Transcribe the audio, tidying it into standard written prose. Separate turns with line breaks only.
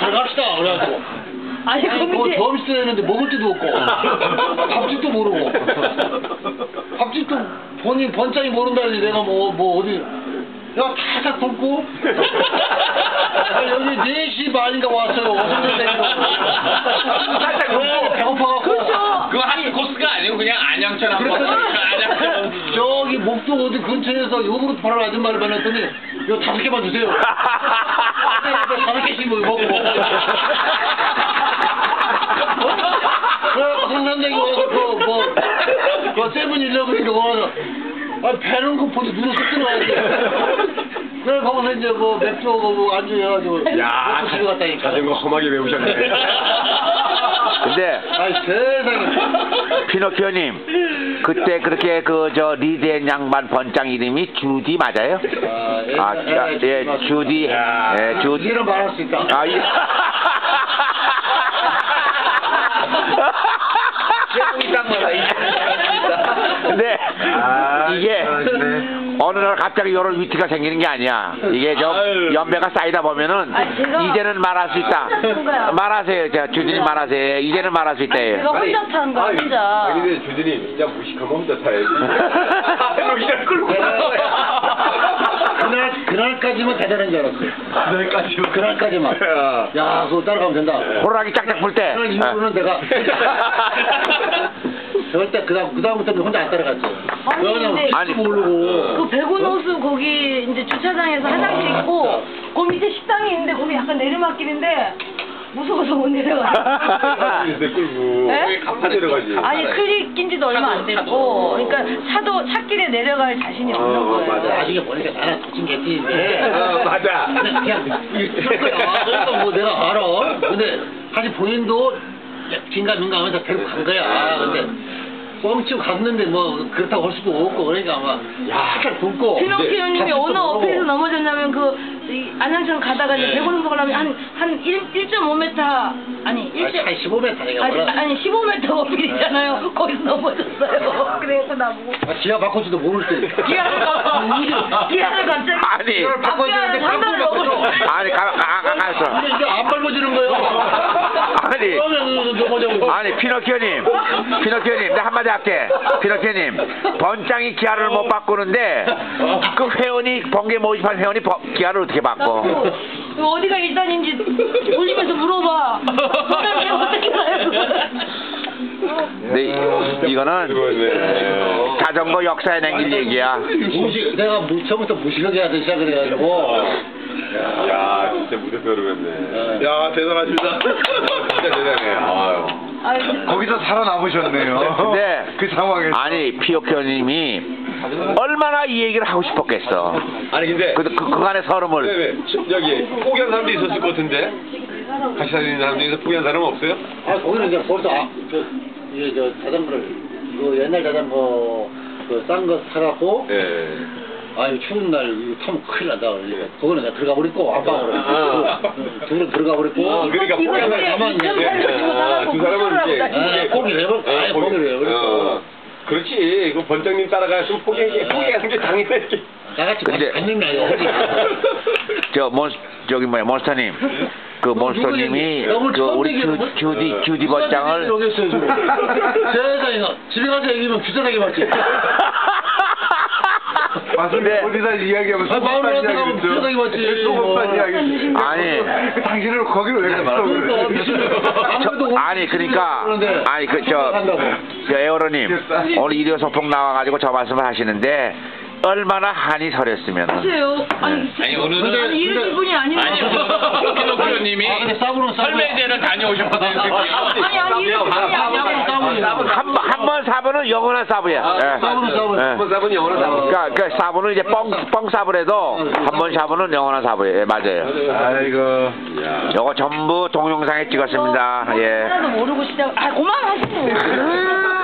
들어갑시다. 그래가지고.
아니
뭐
거기
점심 했는데 먹을 데도 없고 밥집도 모르고 밥집도 본인 번짝이 모른다니 내가 뭐 어디 내가 타삭 굶고 여기 4시 반인가 왔어요. 살짝 굶고 배고파갖고
그렇죠.
그거 한 코스가 아니고 그냥 안양천 한 번. 안양천.
저기 목동 어디 근처에서 요구르트 파는 아줌마를 만났더니 이거 5개만 주세요. 5개씩 먹고 그래갖고 상산장에 와서 그 세븐일레븐인가 와서 배는 거 보지 눈에 쏙 들어가야지. 그래 거기서 이제 뭐 맥주하고 뭐 안주 해가지고
야,
집에 갔다니까.
자전거 험하게 배우셨네.
근데
아이 세상에.
피노키오님 그때 그렇게 그 저 리드한 양반 번장 이름이 주디 맞아요? 예, 주디. 예, 주디.
이런 말할 수 있다.
아, 예. 근데 이게 어느 날 갑자기 이런 위치가 생기는 게 아니야. 이게 좀 연배가 쌓이다 보면은 이제는 말할 수 있다. 말하세요. 자, 주진님 말하세요. 이제는 말할 수 있다.
제가 혼자 타는 거야 혼자.
아니 근데 주진님 진짜 무식하면 혼자 타야지. 여기를 끌고
그날까지만 대단한 줄 알았어. 그날까지만. 야, 그거 따라가면 된다.
호랑이 짝짝 불 때.
그날 이후로는 내가 절대 그다음부터는 혼자 안 따라갔지.
아니 근데
모르고.
그 백운호수 거기 이제 주차장에서 화장실 있고 그 밑에 식당이 있는데 거기 약간 내리막길인데 무서워서 못 내려가.
끌고
네?
갚아 내려가지.
아니 클릭 낀지도 얼마 안 됐고 그러니까 차길에 내려갈 자신이 없는 거예요.
맞아. 나중에 보니까 나는 도찐 개띠인데.
맞아.
그냥 이럴 거야. 그러니까 뭐 내가 알아. 근데 사실 본인도 긴가민가하면서 데리고 간 거야. 근데 뻥치고 갔는데 뭐 그렇다고 할 수도 없고 그러니까 아마 약간 굶고.
피노키오님이 어느 어피에서 넘어졌냐면 이 안양천 가다가 이제 백운호수 가려면 한 1.5m 아니
15m 내가
아니 15m 어필이잖아요. 거기서 넘어졌어요. 그래서 나보고
기아 바꿔지도 모를 때.
기아를 갑자기
아니.
앞기아를 상단을 넘어졌어.
아니 가만있어.
근데 이제 안 밟아지는 거예요.
아니.
그러면 넘어져.
아니 피노키오님 내가 한마디 할게. 피노키오님 번장이 기아를 못 바꾸는데 그 회원이 번개 모집한 회원이 기아를 어떻게 바꿔?
어디가 일단인지 올리면서 물어봐. 어떻게 가요?
근데 이거는 자전거 역사에 남길 얘기야.
내가 처음부터 무식하게 하기 시작을 해가지고.
야 진짜 무대서 그러겠네. 야 대단하십니다. 진짜 대단해. 아유.
거기서 살아남으셨네요.
근데
그 상황에서.
아니 피노키오님이 얼마나 이 얘기를 하고 싶었겠어.
아니 근데
그간의 서름을.
네네. 여기 포기한 사람도 있었을 것 같은데 같이 다니는 사람 중에서 포기한 사람은 없어요?
거기는 이제 벌써 이게 자전거를 옛날 자전거 싼 거 사갖고.
예.
아유 추운 날 이거 타면 큰일 난다. 거기는 내가 들어가 버리고 안방으로. 둘은 들어가 버리고.
그러니까 포기한 사람 가만히 있는데 두 사람은 이제
포기를 해버렸어. 아예 포기를 해버렸어.
그렇지. 그 번장님 따라가서 포기하는 게 당연하지.
나같이 받는 게 아니야.
저기 몬스터님. 그 몬스터님이 그 우리 주디 번장을.
여기 있어요 지금. 세상에 집에 가서 얘기하면 비싸게 받지.
맞습니다. 어디다 이야기하면
마을에 가면 비싸게 받지.
소금판 이야기.
아니.
당신을 거기로 왜 갔어?
아니 그러니까 아니 저 에어로님 오늘 일요 소풍 나와가지고 저 말씀을 하시는데 얼마나 한이 서렸으면.
하세요. 아니 이런 기분이 아닌데.
아니 피노키오님이 설매제를 다녀오셨거든요.
아니
한 번 사부는 영원한 사부야.
한번 사부는 영원한 사부.
그러니까 사부는 이제 뻥 사부래도 한 번 사부는 영원한 사부예요. 맞아요.
아이고.
요거 전부 동영상에 찍었습니다. 예.
하나도 모르고 시작. 그만하세요.